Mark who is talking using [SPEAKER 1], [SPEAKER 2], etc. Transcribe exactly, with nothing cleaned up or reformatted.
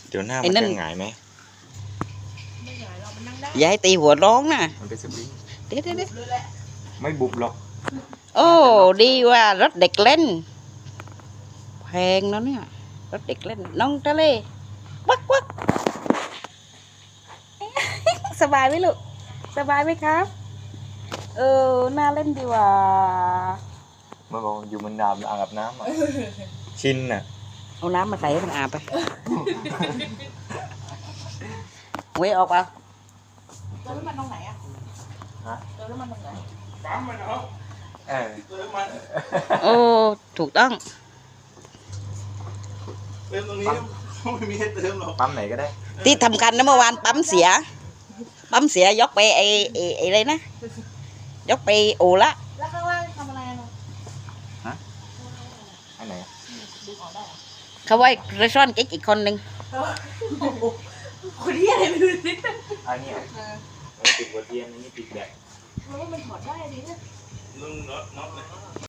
[SPEAKER 1] เดี๋ยวหน้ามันจะหงายไหม
[SPEAKER 2] ไม่หงายเรามันนั่งได้
[SPEAKER 3] อย่าให้ตีหัวร้องนะ
[SPEAKER 1] มันเป็นสปริง
[SPEAKER 3] เดี๋ยวเดี๋ยวเดี๋ยว
[SPEAKER 1] ไม่บุบหรอก
[SPEAKER 3] โอ้ดีว่ารถเด็กเล่นแพงแล้วเนี่ยรถเด็กเล่นน้องทะเลวักวัก สบายไหมลูกสบายไหมครับเออน่าเล่นดีว่ะ
[SPEAKER 1] เมื่อก่อนอยู่มันน้ำอ่างอาบน้ำอ่ะชินน่ะ
[SPEAKER 3] เอาน้ำมาใส่ให้มันอาบไปเว้ยออกเปล่า
[SPEAKER 2] เติมน้ำมันตรงไหนอ่ะ
[SPEAKER 1] ฮะ
[SPEAKER 2] เติมน้ำมันตรงไหน
[SPEAKER 4] ปั๊มมันเนาะ
[SPEAKER 1] เออ
[SPEAKER 4] เติมมัน
[SPEAKER 3] โอ้ถูกต้อง
[SPEAKER 4] เติมตรงนี้ไม่มีให้เติมหรอก
[SPEAKER 1] ปั๊มไหนก็ได้
[SPEAKER 3] ที่ทำกันนะเมื่อวานปั๊มเสียปั๊มเสียยกไปไอ้ไอ้ไอ้อะไรนะยกไปโอละ
[SPEAKER 2] แล้วข้างล่างทำอะไรเนาะ
[SPEAKER 1] ฮะอันไหน
[SPEAKER 2] ดึงออกได้
[SPEAKER 3] เขาไว้เรซ่อนเก๊กอีกคนหนึ่ง
[SPEAKER 2] คนที่อะไรไม่รู้สิ
[SPEAKER 1] อันนี้ติดหัวเทียนอันนี้ติดแบต
[SPEAKER 2] มันว่ามันถอดได้ดิเนี่ย
[SPEAKER 4] นุ่งน็อตน็อตเลย